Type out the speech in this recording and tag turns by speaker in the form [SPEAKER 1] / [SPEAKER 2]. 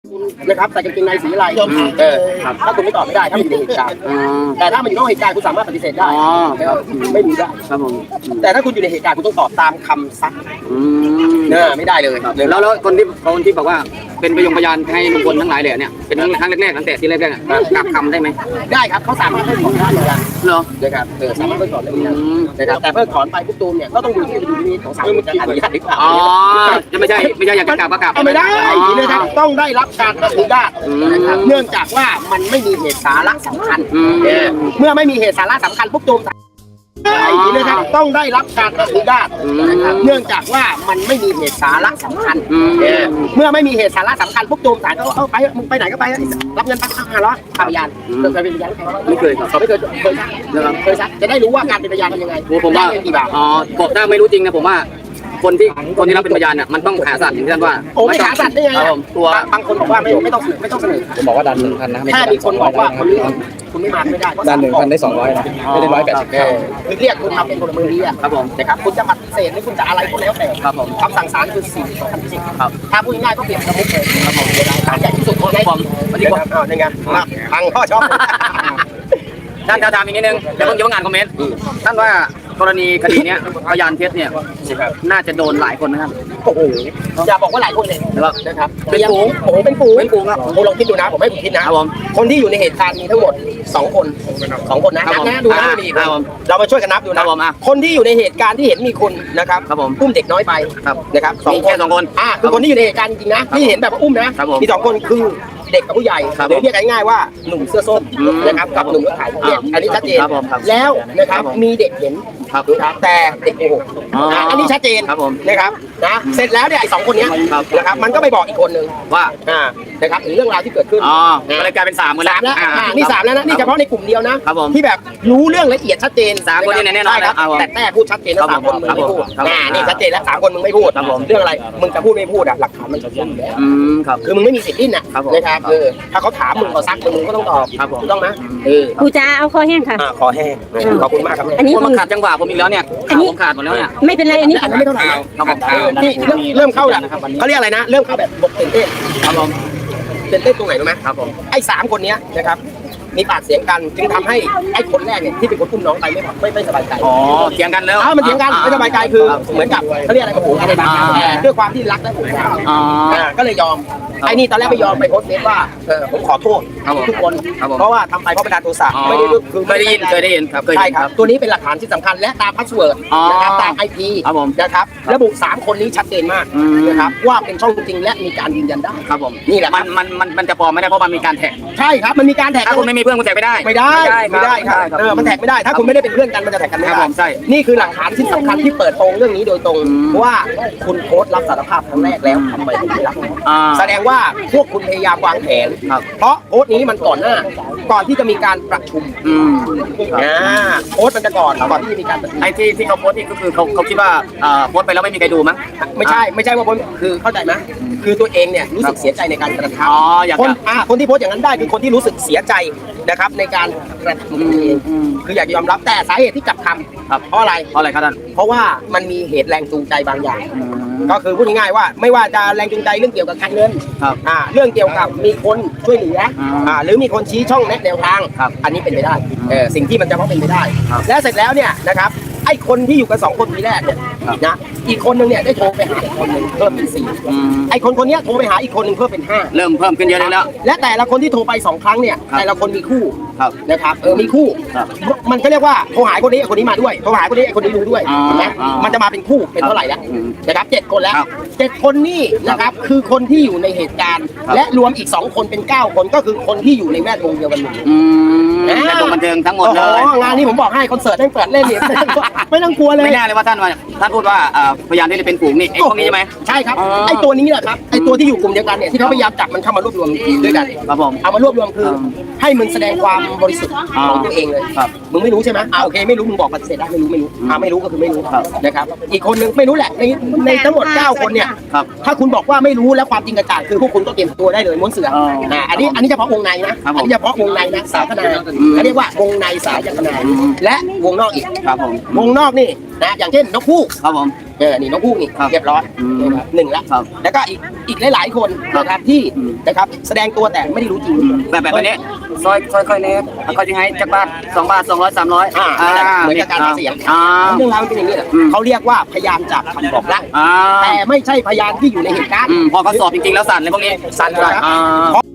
[SPEAKER 1] นะครับใส่กางเกงในสีอะไรถ้าคุณไม่ตอบไม่ได้ถ้ามันอยู่ในเหตุการณ์แต่ถ้ามันอยู่นอกเหตุการณ์คุณสามารถปฏิเสธได้ไม่มีได้ครับผมแต่ถ้าคุณอยู่ในเหตุการณ์คุณต้องตอบตามคำซักไม่ได้เลย
[SPEAKER 2] แล้วคนที่บอกว่าเป็นพยานให้ลุงพลทั้งหลายเลยเนี่ยเป็นครั้งแรกๆตั้งแต่ที่แรกๆกลับคำได้ไหม
[SPEAKER 1] ได้ครับเขาสามารถเพิกถอนได้เหมือนกัน
[SPEAKER 2] เหรอ
[SPEAKER 1] นะครับสามารถเพิกถอนได้เหมือนกันนะครับแต่เพิกถอนไปปุ๊บตูมเนี่ยก็ต้องดูที่ดุลพินิจของศาลจะอนุญาตหรือเปล่า
[SPEAKER 2] จะไม่ใช่อยากจะกลับก็กลับ
[SPEAKER 1] ไม่ได้นะครับต้องได้รับการอนุญาตนะครับเนื่องจากว่ามันไม่มีเหตุสาระสำคัญเมื่อไม่มีเหตุสาระสำคัญปุ๊บตูมนะครับต้องได้รับการอนุญาตนะครับเนื่องจากว่ามันไม่มีเหตุสาระสำคัญเมื่อไม่มีเหตุสาระสำคัญปุ๊บตูมศาลก็ไปมึงไปไหนก็ไปรับเงินไป500พยานเคยเป็นพยาน
[SPEAKER 2] ไม่เคยครับ
[SPEAKER 1] ไม่เคยซักจะได้รู้ว่าการเป็นพยานทำยังไง
[SPEAKER 2] ผมว่าบอกถ้าไม่รู้จริงนะผมว่าคนที่รับเป็นพยานเนี่ยมันต้องหาสัตว์อย่างที่ท่านว่า
[SPEAKER 1] ไม่หาสัตว์ได้ไงตัวบางคนบอกว่าไม่ต้องเสนอ
[SPEAKER 3] ผมบอกว่าดัน 1,000 นะ
[SPEAKER 1] ถ้ามีคนบอกว่าคนนี้คุณไม่มาไม่ได้
[SPEAKER 3] ดัน 1,000 ได้ 200 นะไม่ได้180
[SPEAKER 1] คือเรียกคุณทำเป็นพลเมืองดีครับผมนะครับคุณจะปฏิเสธหรือคุณจะอะไรก็แล้วแต่
[SPEAKER 2] ครับผม
[SPEAKER 1] คำสั่งศาลคือ4/2010ครับถ้าพูดง่ายก็เปรียบกับมุกเลยครับผมศาลใหญ่ที่สุดของผมนี่ไงฟังพ่อชอบ
[SPEAKER 2] ท่านถามอีกนิดนึงเดี๋ยวผมจะอ่านคอมเมนต์ท่านว่ากรณีคดีนี้พยานเท็จเนี่ยน่าจะโดนหลายคนนะครับ
[SPEAKER 1] โอ้โหอย่าบอกว่าหลายคนเลยนะครับเป็นฝูงโอ้โหเป็นฝูงครับผมลองคิดดูนะผมให้คุณคิดนะครับคนที่อยู่ในเหตุการณ์มีทั้งหมด2 คนนะนับนะดูนะมีเรามาช่วยกันนับดูนะคนที่อยู่ในเหตุการณ์ที่เห็นมีคนนะครับอุ้มเด็กน้อยไปนะครับ
[SPEAKER 2] 2 คน
[SPEAKER 1] คือคนที่อยู่ในเหตุการณ์จริงๆนะที่เห็นแบบอุ้มนะมี2 คนคือเด็กกับผู้ใหญ่หรือเรียกง่ายๆว่าหนุ่มเสื้อส้มนะครับกับหนุ่มรถไถอันนี้ชัดเจนแล้วนะครับมีเด็กเห็นแต่เด็กโกหกอันนี้ชัดเจนนะครับนะเสร็จแล้วเนี่ยไอ้2 คนนี้นะครับมันก็ไปบอกอีกคนนึง
[SPEAKER 2] ว่า
[SPEAKER 1] นะครับถึงเรื่องราวที่เกิดขึ้น
[SPEAKER 2] ก็เลยกลายเป็น3 คนแล้ว
[SPEAKER 1] นี่3แล้วนะนี่เฉพาะในกลุ่มเดียวนะที่แบบรู้เรื่องละเอียดชัดเจน
[SPEAKER 2] 3 คนนี่แน่นอน
[SPEAKER 1] แต่พูดชัดเจนแล้ว3 คนมึงไม่พูดนี่ชัดเจนแล้ว3 คนมึงไม่พูดเรื่องอะไรมึงจะพูดไม่พูดหลักฐานมันจะพูดแล้วคือมึงไม่มีสิทธิ์ดิ้นนะครับถ้าเขาถามมึงเขาซักมึงก็ต้องตอบถูกต้องไหม
[SPEAKER 4] กูจะเอาคอแห้งค่ะ
[SPEAKER 1] คอแห้งขอบคุณมากครับ
[SPEAKER 4] อันนี้
[SPEAKER 2] มันขาดจังหวะผมอีกแล้วเนี่ยผมขาดหมดแล้วเนี่ย
[SPEAKER 4] ไม่เป็นไรอันนี้
[SPEAKER 1] ไม่เท่าไหร่นี่เริ่มเข้าแล้วเขาเรียกอะไรนะเริ่มเข้าแบบบกเต้นเต้นครับผมเต้นเต้นตรงไหนรู้ไหมครับผมไอ้3 คนนี้นะครับมีปากเสียงกันจึงทำให้ไอ้คนแรกเนี่ยที่เป็นคนอุ้มน้องไปไม่สบายใจ
[SPEAKER 2] เถียงกันแล้ว
[SPEAKER 1] มันเถียงกันไม่สบายใจคือเหมือนกับเขาเรียกอะไรกับผมอะไรบางอย่างด้วยความที่รักและผูกพันก็เลยยอมไอ้นี่ตอนแรกไม่ยอมไปโพสต์เฟซว่าผมขอโทษทุกคนเพราะว่าทำไปเพราะบันดาลโทสะไม่ได้คือ
[SPEAKER 2] เคยได้ยินครับ
[SPEAKER 1] ใช่ครับตัวนี้เป็นหลักฐานที่สำคัญและตามพาสเวิร์ดนะครับตาม IP นะครับระบุ3 คนนี้ชัดเจนมากนะครับว่าเป็นช่องจริงและมีการยืนยันได้
[SPEAKER 2] ครับผม
[SPEAKER 1] นี่แหละ
[SPEAKER 2] มันจะปลอมไม่ได้เพราะมันมีการแท็ก
[SPEAKER 1] ใช่ครับมันมีการแท็ก
[SPEAKER 2] ถ้าคุณไม่มีเพื่อนคุณแท็กไม่ได้
[SPEAKER 1] ครับมันแท็กไม่ได้ถ้าคุณไม่ได้เป็นเพื่อนกันมันจะแท็กกันไม่ได้
[SPEAKER 2] ใช่
[SPEAKER 1] นี่คือหลักฐานที่สำคัญที่เปิดโปงเรื่องนี้โดยตรงว่าคุณโค้ชรับสารภาพครั้งแรกแล้วทำไมคุณไม่รับแสดงว่าพวกคุณพยายามวางแผนเพราะโค้ชนี้มันก่อนที่จะมีการประชุมโค้ชมันจะก่อนที่จะมีการ
[SPEAKER 2] ไอ้ที่เขาโพสต์นี่ก็คือเขาคิดว่าโพสต์ไปแล้วไม่มีใครดูมั้ง
[SPEAKER 1] ไม่ใช่ว่าคือเข้าใจไหมคือตัวเองเนี่ยรู้สึกเสียใจในการกระทำคนที่โพสต์อย่างนั้นได้คือคนที่รู้สึกเสียใจนะครับในการกระทำเองคืออยากจะยอมรับแต่สาเหตุที่กลับคำเพราะอะไร
[SPEAKER 2] ครับท่าน
[SPEAKER 1] เพราะว่ามันมีเหตุแรงจูงใจบางอย่างก็คือพูดง่ายๆว่าไม่ว่าจะแรงจูงใจเรื่องเกี่ยวกับการเงินเรื่องเกี่ยวกับมีคนช่วยเหลือหรือมีคนชี้ช่องแนะแนวทางอันนี้เป็นไปได้สิ่งที่มันจะต้องเป็นไปได้และเสร็จแล้วเนี่ยนะครับไอ้คนที่อยู่กัน2 คนทีแรกเนี่ยนะอีกคนนึงเนี่ยได้โทรไปหาอีกคนนึงเพิ่มเป็น4ไอ้คนนี้โทรไปหาอีกคนนึงเพิ่มเป็น5
[SPEAKER 2] เริ่มเพิ่มขึ้นเยอะแล้ว
[SPEAKER 1] และแต่ละคนที่โทรไป2 ครั้งเนี่ยแต่ละคนมีคู่นะครับมีคู่มันก็เรียกว่าโทรหาคนนี้คนนี้มาด้วยโทรหาคนนี้คนนี้รู้ด้วยนะมันจะมาเป็นคู่เป็นเท่าไหร่แล้วนะครับ7 คนแล้ว7 คนนี่นะครับคือคนที่อยู่ในเหตุการณ์และรวมอีก2 คนเป็น9 คนก็คือคนที่อยู่ในแวดวงเดียวกันหมด
[SPEAKER 2] แวดวงบันเทิงทั้งหมดเลย
[SPEAKER 1] งานนี้ผมบอกให้คอนเสิร์ตได้เปิดเล่นเนี่ยไม่ต้องกลัวเลย
[SPEAKER 2] ไม่น่าเลยว่าท่านพูดว่าพยานที่เป็นฝูงนี่ไอ้พวกนี้ใช่ไหม
[SPEAKER 1] ใช่ครับไอ้ตัวนี้แหละครับไอ้ตัวที่อยู่กลุ่มเดียวกันเนี่ยที่เขาพยายามจับมันเข้ามารวบรวมด้วยกัน
[SPEAKER 2] ครับผม
[SPEAKER 1] เอามารวบรวมคือให้มึงแสดงความบริสุทธิ์ของตัวเองเลยมึงไม่รู้ใช่ไหมโอเคไม่รู้มึงบอกปฏิเสธได้ไม่รู้ไม่รู้ก็คือไม่รู้นะครับอีกคนนึงไม่รู้แหละในทั้งหมด9 คนเนี่ยถ้าคุณบอกว่าไม่รู้แล้วความจริงกระจ่างคือพวกคุณก็เตรียมตัวได้เลยม้วนเสืออันนี้เฉพาะวงในนะอันนี้เฉพาะวงในนะสายคณะเรียกว่าวงในสายคณะและวงนอกอีกวงนอกนี่นะอย่างเช่นนกฮูกนี่น้องผู้นี่เรียบร้อยนะครับหนึ่งแล้ว
[SPEAKER 2] ครับ
[SPEAKER 1] แล้วก็อีกหลายๆคนนะครับที่นะครับแสดงตัวแต่ไม่ได้รู้จริง
[SPEAKER 2] แบบนี้ซอยค่อยๆเนี้ยเขาจะให้จากบาท2 บาท 200 300
[SPEAKER 1] เหมือนกับการหาเสียง
[SPEAKER 2] อ่า
[SPEAKER 1] เรื่องราวมันเป็นอย่างนี้แหละเขาเรียกว่าพยานจากคำบอกเล่า
[SPEAKER 2] อ่า
[SPEAKER 1] แต่ไม่ใช่พยานที่อยู่ในเหตุการณ์
[SPEAKER 2] พอเขาสอบจริงๆแล้วสั่นเลยพวกนี้
[SPEAKER 1] สั่นครับ
[SPEAKER 2] อ่า